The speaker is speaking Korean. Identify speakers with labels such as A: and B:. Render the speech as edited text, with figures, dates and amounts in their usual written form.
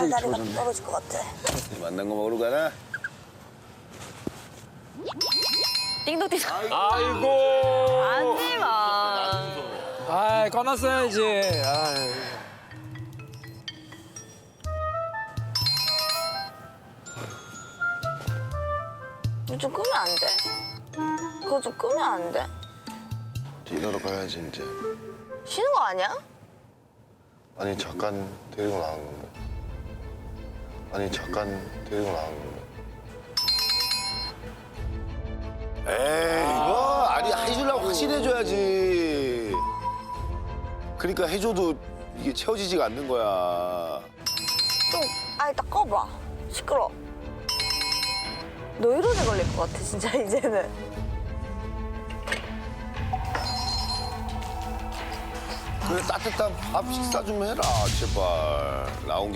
A: 갑자기
B: 다리가
A: 좋아졌네.
B: 떨어질 것 같아.
C: 만난 거 먹으러 가나?
B: 띵동띵동.
D: 아이고.
B: 하지 마.
A: 아, 꺼놨어야지. 아이.
B: 이거 좀 끄면 안 돼? 그거 좀 끄면 안 돼?
E: 일하러 가야지 이제.
B: 쉬는 거 아니야?
E: 아니 잠깐 데리고 나간 건데. 아니 잠깐 데리고 나간 건데.
C: 에이 이거 아니 해주려고 확실히 해줘야지. 그러니까 해줘도 이게 채워지지가 않는 거야.
B: 좀 아니 딱 꺼봐. 시끄러. 노이로제 걸릴 것 같아 진짜 이제는.
C: 그래 따뜻한 밥 식사 좀 해라 제발. 나온